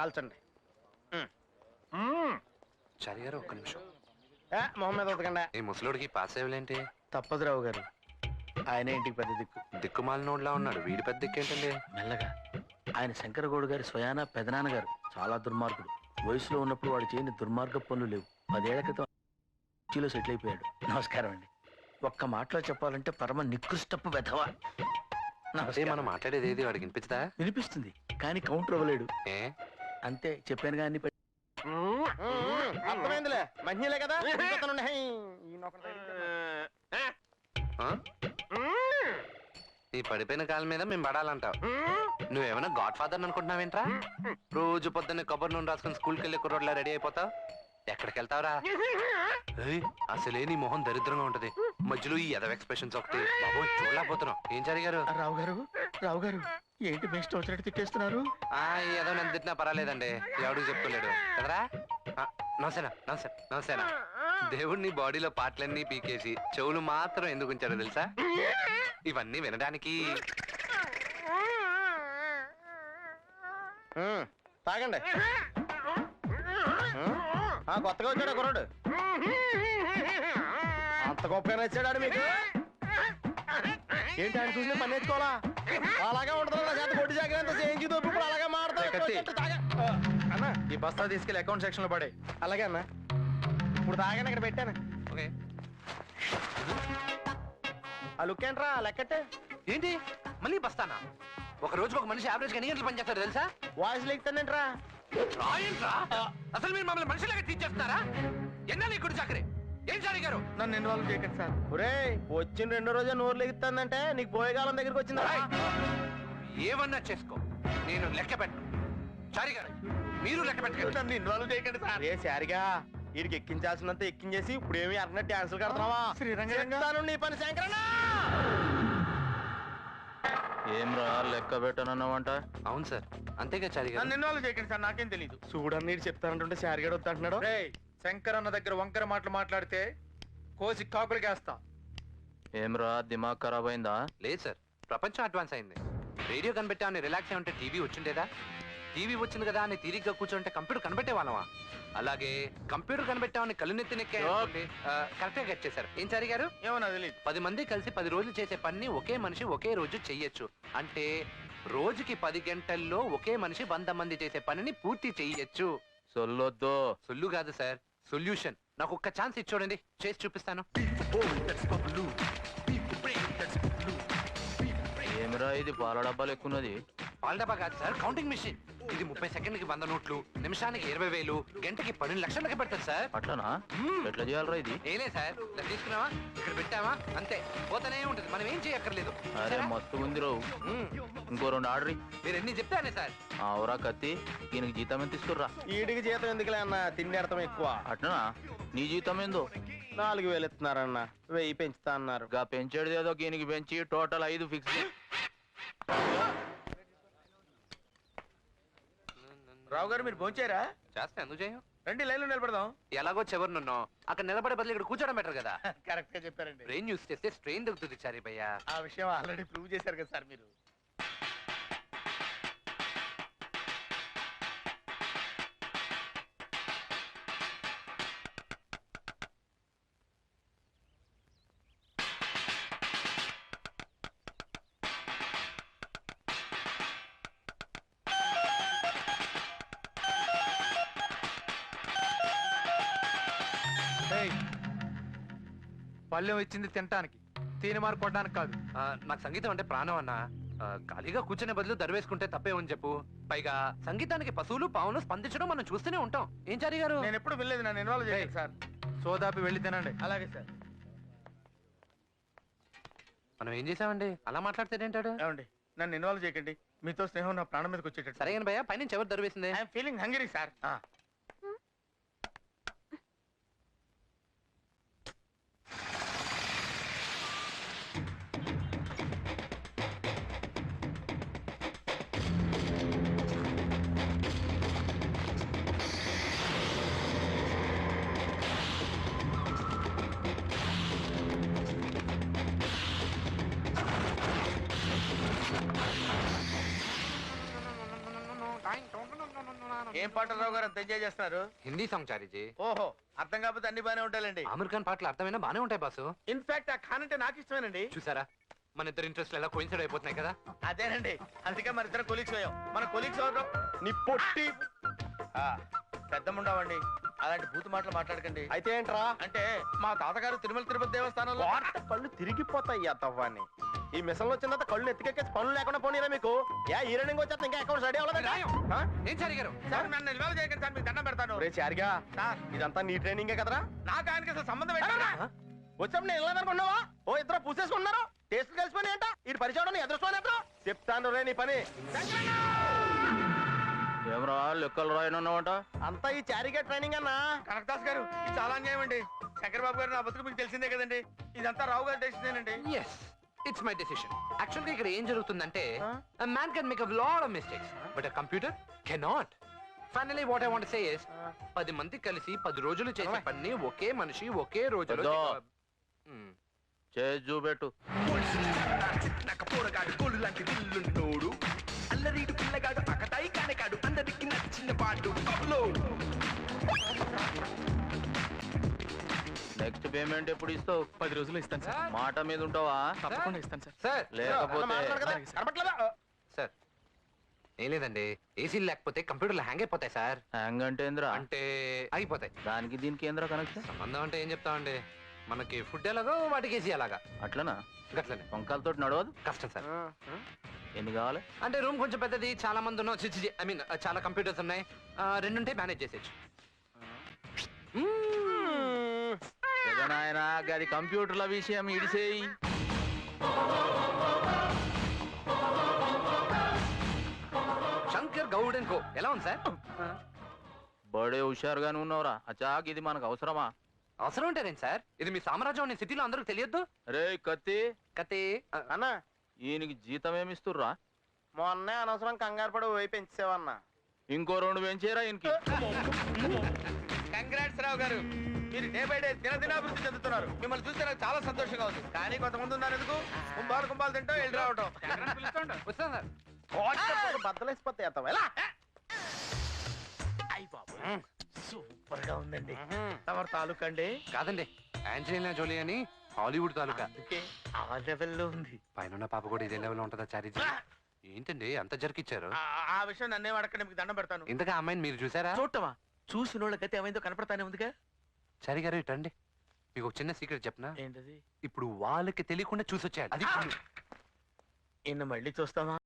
కాల్చండి. చారి గారు ఒక్క నిమిషం. మొహం మీద ఉతకండి. ఈ ముసలోడికి పాస్ అయ్యలేంటి? తప్పదు రావు గారు, ఆయన ఇంటికి పెద్ద దిక్కు. దిక్కుమాలినోడ్లా ఉన్నాడు, వీడి పెద్ద దిక్కేంటండి? మెల్లగా. ఆయన శంకరగౌడ్ గారి స్వయాన పెదనాన్నగారు. చాలా దుర్మార్గుడు. వయసులో ఉన్నప్పుడు వాడు చేయని దుర్మార్గ పనులు లేవు. 10 ఏళ్ల క్రితం చీలో సెటిల్ అయిపోయాడు. నమస్కారం అండి. ఒక్క మాటలో చెప్పాలంటే పరమ నికృష్టపు వెధవ. అదే మనం మాట్లాడేది ఏది వాడికి వినిపించదా? వినిపిస్తుంది కానీ కౌంటర్ ఇవ్వలేడు. ఏ అంతే, చెప్పాను కానీ అర్థమైందిలే. మంచిలే కదా. ఈ పడిపోయిన కాలం మీద మేము పడాలంటావు. నువ్వేమైనా గాడ్ ఫాదర్ అనుకుంటున్నావేంట్రా? రోజు పొద్దున్నే కొబ్బరి నూనె రాసుకుని స్కూల్కి వెళ్ళి కుర్రోడ్లా రెడీ అయిపోతావు. ఎక్కడికి వెళ్తావురా? అసలే నీ మొహం దరిద్రంగా ఉంటది, మధ్యలో ఈ ఎదవ ఎక్స్ప్రెషన్స్ ఒకటి. బాబోయ్, చూడలేకపోతున్నావు. ఏం జరిగారు? రావు గారు, రావు గారు ఏంటి మీ ఇష్టం వచ్చినట్టు తిట్టేస్తున్నారు? ఏదో నన్ను తిట్టినా పర్వాలేదండి, ఎవడికి చెప్పుకోలేడు కదరా. నమసేనా నమస్తే నమసేనా. దేవుడిని బాడీలో పాటలన్నీ పీకేసి చెవులు మాత్రం ఎందుకు ఉంచారో తెలుసా? ఇవన్నీ వినడానికి. తాగండి. కొత్తగా వచ్చాడు కుర్రాడు. అంత గొప్పగా నచ్చాడు మీకు? ఏంటి ఆయన చూసిన పని నేర్చుకోవాలా? అలాగే ఉంటుంది. కొట్టి జాగ్రత్త చేయించి ఇప్పుడు అలాగే మాడతా. అన్న, ఈ బస్తా తీసుకెళ్ళి అకౌంట్ సెక్షన్ లో పడే. అలాగే అన్న, ఇప్పుడు తాగాను ఇక్కడ పెట్టాను. ఓకే. ఆ లుక్ ఏంట్రా లెక్కట్టే? ఏంటి మళ్ళీ బస్తానా? ఒక రోజుకి ఒక మనిషి యావరేజ్ గా ఎన్ని గంటలు పనిచేస్తాడు తెలుసా? వాయిస్ లెక్కుతానేంట్రా? అసలు మీరు మమ్మల్ని మనుషులాగా తీర్చేస్తున్నారా? ఎన్నా నీకు చాకరీ? ఏం సార్ గారు? నన్ను ఇన్వాల్వ్ చేయకండి సార్. ఒరే, వచ్చిన 2 రోజే నోరు లెగుతుందంటే నీకు పోయేకాలం దగ్గరికి వచ్చిందా? ఏమన్నా చేసుకో, నేను లెక్క పెట్టను. చారి గారు, మీరు లెక్క పెట్టండి. నన్ను ఇన్వాల్వ్ చేయకండి సార్. ఏ సారిగా వీడికి ఎక్కించాల్సినంత ఎక్కించేసి ఇప్పుడు ఏమి అన్నట్టు డాన్సులు కడతావా? శ్రీరంగ నీ పని శంకరన్నా. ఏమ్రా లెక్క పెట్టనన్నావంట? అవును సార్, అంతేగా చారి గారు. నన్ను ఇన్వాల్వ్ చేయకండి సార్, నాకేం తెలియదు. చూడని నీడు చెప్తానంటుంటే సారిగాడు వద్దంటున్నాడు. శంకర్ అన్న దగ్గర వంకర మాటలు మాట్లాడితే కోసి కాకులకేస్తా. ఏమ్రా దిమాగ్ ఖరాబ్ అయిందా? లేదు సార్, ప్రపంచం అడ్వాన్స్ అయింది. రేడియో కనిపెట్టామని రిలాక్స్ అయి ఉంటే టీవీ వచ్చిండేదా? టీవీ వచ్చింది కదా అని తీరిగ్గా కూర్చోంటే కంప్యూటర్ కనిపెట్టే వాళ్ళమా? అలాగే కంప్యూటర్ కనిపెట్టామని కళ్ళు నెత్తి నెక్కే కరెక్ట్ గా గెట్ చేశారు. ఏం చారి గారు? ఏమన్నా తెలియదు. 10 మంది కలిసి 10 రోజులు చేసే పని ఒకే మనిషి ఒకే రోజు చెయ్యొచ్చు. అంటే రోజుకి 10 గంటల్లో ఒకే మనిషి 100 మంది చేసే పనిని పూర్తి చెయ్యొచ్చు. సొల్లొద్దు. సొల్లు కాదు సార్, సొల్యూషన్. నాకు ఒక్క ఛాన్స్ ఇచ్చి చూడండి, చేసి చూపిస్తాను. ఏమిరా ఇది పాల డబ్బాలు ఎక్కున్నది? పాల డబ్బా కాదు సార్, కౌంటింగ్ మిషన్. ఇది 30 సెకండ్లకి 100 నోట్లు, నిమిషానికి 20,000, గంటకి 12 లక్షలకి పెడతారు సార్. అట్లనా? ఎట్లా చేయాలరా ఇది? ఏలే సార్, ఇలా తీసుకున్నావా, ఇక్కడ పెట్టావా, అంతే పోతానే ఉంటుంది. మనం ఏం చేయక్కర్లేదు. అరే మస్తు ఉంది రావు. ఇంకో 2 ఆర్డర్. మీరు ఎన్ని చెప్తానే సార్. అవురా కత్తి, దీనికి జీతం ఎంత తీసుకుర్రా? వీడికి జీతం ఎందుకులే అన్న, తిండి అర్థం ఎక్కువ. అట్లనా? నీ జీతం ఏందో? 4,000 ఇస్తున్నారన్న, 1000 పెంచుతా అన్నారు. గా పెంచేది ఏదో దీనికి పెంచి టోటల్ 5 ఫిక్స్. రావు గారు మీరు భోంచారా? చేస్తే ఎందుకు చేయం? రండి లైన్లో నిలబడదాం. ఎలాగో చివరినున్నాం, అక్కడ నిలబడే బదులు ఇక్కడ కూర్చోడం బెటర్ కదా. కరెక్ట్ గా చెప్పారండి. బ్రెయిన్ యూస్ చేస్తే స్ట్రెయిన్ దొరుకుతుంది చారి భయ్యా. ఆ విషయం ఆల్రెడీ ప్రూవ్ చేశారు కదా సార్ మీరు. పళ్ళెం ఇచ్చింది తినటానికి, తీనిమారు కొట్టడానికి కాదు. నాకు సంగీతం అంటే ప్రాణం అన్న. ఖాళీగా కూర్చునే బదులు దరివేసుకుంటే తప్పేమని చెప్పు. పైగా సంగీతానికి పశువులు పావులు స్పందించడం మనం చూస్తూనే ఉంటాం. ఏం చారి గారు? నేను ఎప్పుడు వెళ్ళలేదు, నన్ను ఇన్వాల్వ్ చేయండి సార్. సోదాపి వెళ్ళి తినండి. అలాగే సార్. మనం ఏం చేసామండి, అలా మాట్లాడితేంటాడు? ఏమండి, నన్ను ఇన్వాల్వ్ చేయకండి. మీతో స్నేహం నా ప్రాణం మీదకి వచ్చేటట్టు. సరే భయ్యా, పైనుంచి ఎవరు దరివేసింది? I'm feeling hungry sir. ఏం పాటలు రావు గారు అంత ఎంజాయ్ చేస్తున్నారు? హిందీ సాంగ్ చారీజీ. ఓహో, అర్థం కాకపోతే అన్ని బానే ఉంటాయండి. ఆమిర్ ఖాన్ పాటలు అర్థమైనా బానే ఉంటాయి బాసు. ఇన్ఫాక్ట్ ఆ ఖాన్ అంటే నాకు ఇష్టమేనండి. చూసారా మన ఇద్దరు ఇంట్రెస్ట్ ఎలా కోయిన్సైడ్ అయిపోతున్నాయి కదా. అదేనండి, అందుకే మన ఇద్దరు కొలీగ్స్ అయ్యాం. మన కొలీగ్స్ ఎవరు? నీ పొట్టి పెద్దముండవండి. అలాంటి బూతు మాటలు మాట్లాడకండి. అయితే ఏంట్రా? అంటే మా తాతగారు తిరుమల తిరుపతి దేవస్థానంలో కళ్ళు తిరిగిపోతాయి తవ్వాన్ని. ఈ మిషన్ వచ్చిన తర్వాత కళ్ళు ఎత్తికెక్కేసి పనులు లేకుండా పోనీరా మీకు. ఏ రన్నింగ్ వచ్చేస్తా ఇంకా అకౌంట్ రెడీ అవ్వలేదు. ఏం చారి గారు? సార్ నన్ను నిల్వ చేయకండి సార్, మీకు దండం పెడతాను. రే చారిగా, సార్ ఇదంతా నీ ట్రైనింగే కదరా? నాకు ఆయనకి అసలు సంబంధం ఏంటన్నా? వచ్చాము నేను వెళ్ళదనుకున్నావా? ఓ ఇద్దరు పూసేసుకున్నారు. టేస్ట్ కలిసిపోయి ఏంట ఈ పరిచయం ఎదురుకోలేదు. చెప్తాను రే నీ పని. ఏమరా లెక్కలు రాయనున్నావంట? అంతా ఈ చారిగా ట్రైనింగ్ అన్నా. కనకదాస్ గారు, ఇది చాలా అన్యాయం అండి. శంకర్ బాబు గారు నా బతుకు మీకు తెలిసిందే కదండి. ఇదంతా రావు గారు తెలిసిందేనండి. Yes, it's my decision. Actually, ఇక్కడ ఏం జరుగుతుందంటే a man can make a lot of mistakes, but a computer cannot. Finally, what I want to say is 10 మంది కలిసి 10 రోజులు చేసే పని ఒకే మనిషి ఒకే రోజులో వద్దు. Hmm. చేసి చూపెట్టు. నెక్స్ట్ పేమెంట్ ఎప్పుడు ఇస్తావు? 10 రోజులు ఇస్తాను సార్. మాట మీద ఉంటావా? తప్పకుండా ఇస్తాను సార్. సార్ లేకపోతే సార్ ఏం లేదండి, ఏసీలు లేకపోతే కంప్యూటర్లు హ్యాంగ్ అయిపోతాయి సార్. హ్యాంగ్ అంటే ఏంద్రా? అంటే అయిపోతాయి. దానికి దీనికి ఏంద్రా కనెక్షన్? సంబంధం అంటే ఏం చెప్తామండి, మనకి ఫుడ్ ఎలాగో వాటికి ఏసీ అలాగా. అట్లనా? గట్లనే వంకాలతో నడవదు. కష్టం సార్. ఎన్ని కావాలి? అంటే రూమ్ కొంచెం పెద్దది, చాలా మంది ఉన్నాం. ఐ మీన్ చాలా కంప్యూటర్స్ ఉన్నాయి. 2 ఉంటే మేనేజ్ చేసేయచ్చు. నాయన గది కంప్యూటర్ల విషయం ఇడిసేయి. శంకర్ గౌడ్ అండ్ కో ఎలా ఉంది సార్? బడే హుషారుగానే ఉన్నావురా. అచాక్ ఇది మనకు అవసరమా? అవసరం ఉంటారేంటి సార్? ఇది మీ సామ్రాజ్యం అనే సిటీలో అందరికి తెలియద్దు. రే కత్తి, కతే అన్నా, ఈయనకి జీతం ఏమిస్తుర్రా? మొన్నే అనవసరం కంగారు పడి పోయి పెంచేవన్నా. ఇంకో 2 పెంచేరా ఈయనకి. కంగ్రాట్స్ రావు గారు, మీరు డే బై డే దినాభివృద్ధి చెందుతున్నారు. మిమ్మల్ని చూస్తే నాకు చాలా సంతోషంగా ఉంది. కానీ కొంతమంది ఉన్నారు ఎందుకు కుంభాలు తింటూ వెళ్ళి రావటం. వస్తాను సార్. బద్దలేసిపోతాయి అత్తవా ఎలా? అయ్య బాబు, సూపర్ గా ఉందండి. తమరు తాలూకా అండి? కాదండి, ఆంజలీనా జోలీ అని హాలీవుడ్ తాలూకా. అందుకే ఆ లెవెల్లో ఉంది. పైన పాప కూడా ఇదే లెవెల్ ఉంటుందా చారీజీ? ఏంటండి అంత జరికిచ్చారు? ఆ విషయం నన్నేం అడగండి, మీకు దండం పెడతాను. ఇంతగా అమ్మాయిని మీరు చూసారా? చూడటమా? చూసిన వాళ్ళకైతే ఏమైందో కనపడతానే ఉందిగా. చారీ గారు ఇటండి, మీకు ఒక చిన్న సీక్రెట్ చెప్పనా? ఏంటది? ఇప్పుడు వాళ్ళకి తెలియకుండా చూసొచ్చాడు. అది ఇన్న మళ్ళీ చూస్తావా?